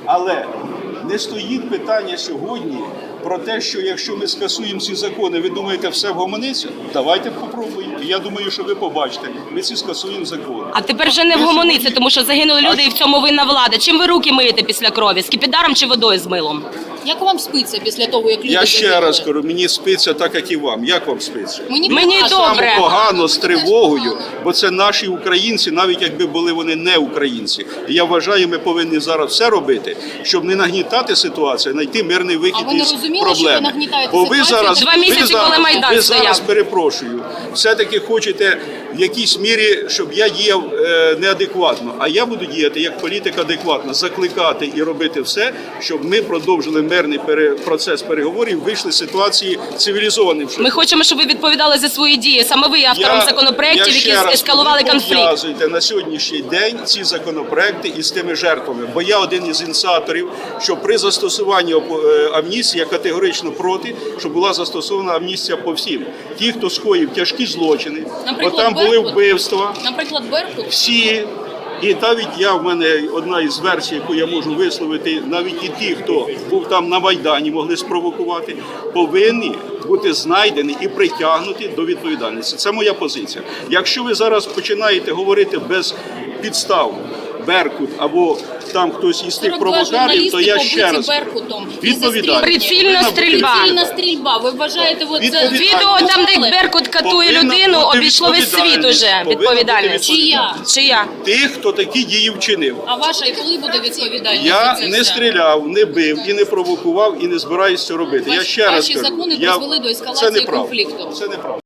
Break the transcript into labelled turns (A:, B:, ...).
A: Але не стоїть питання сьогодні про те, що якщо ми скасуємо ці закони, ви думаєте, все вгомониться? Давайте попробуємо. Я думаю, що ви побачите, ми ці скасуємо закони.
B: А тепер вже не вгомониться, тому що загинули люди і в цьому винна влада. Чим ви руки миєте після крові? Скипідаром чи водою з милом?
C: Як вам спиться після того, як люди
A: Я ще
C: загинули?
A: раз кажу, мені спиться так, як і вам. Як вам спиться?
B: Мені
C: прекрасно.
B: добре.
A: Саме погано, з тривогою, бо це наші українці, навіть якби були вони не українці. І я вважаю, ми повинні зараз все робити, щоб не нагнітати ситуацію, знайти мирний вихід
C: А ви не
A: із
C: розуміли,
A: проблеми.
C: що ви нагнітаєте
A: Бо ви
C: ситуацію?
A: зараз,
B: 2 місяці,
A: ви зараз,
B: коли Майдан
A: ви
B: стояв.
A: зараз, перепрошую, все-таки хочете в якійсь мірі, щоб я діяв неадекватно. А я буду діяти як політик адекватно, закликати і робити все, щоб ми продовжили мирний процес переговорів, вийшли з ситуації цивілізованим.
B: Ми хочемо, щоб ви відповідали за свої дії. Саме ви є автором законопроєктів, які ескалували конфлікт.
A: Пов'язуйте на сьогоднішній день ці законопроекти із тими жертвами. Бо я один із ініціаторів, що при застосуванні амністії я категорично проти, щоб була застосована амністія по всім. Ті, хто скоїв тяжкі злочини, бо
C: Наприклад,
A: там були
C: Беркут.
A: вбивства.
C: Наприклад, Беркут.
A: Всі, і навіть в мене одна із версій, яку я можу висловити, навіть і ті, хто був там на Майдані, могли спровокувати, повинні бути знайдені і притягнуті до відповідальності. Це моя позиція. Якщо ви зараз починаєте говорити без підстав, Беркут або там хтось із тих
C: 42
A: провокаторів, то я
C: журналісти
A: ще раз
C: побиті Беркутом.
A: відповідальність.
B: Прицільна стрільба.
C: Прицільна стрільба. Ви вважаєте, от це...
A: Відповідальність.
B: Відео там, де Беркут катує
A: Повинна
B: людину,
A: бути
B: обійшло весь світ
A: відповідальність.
B: уже.
A: Повинна
B: Відповідальність.
A: бути
C: Чия?
B: Чия?
A: Тих, хто такі дії вчинив.
C: А ваша і коли буде відповідальність?
A: Я
C: за це
A: не
C: все?
A: стріляв, не бив і не провокував, і не збираюся це робити. Я ще раз
C: Ваші
A: кажу,
C: закони
A: я-
C: призвели до
A: це
C: ескалації
A: неправда.
C: конфлікту.
A: Це неправда.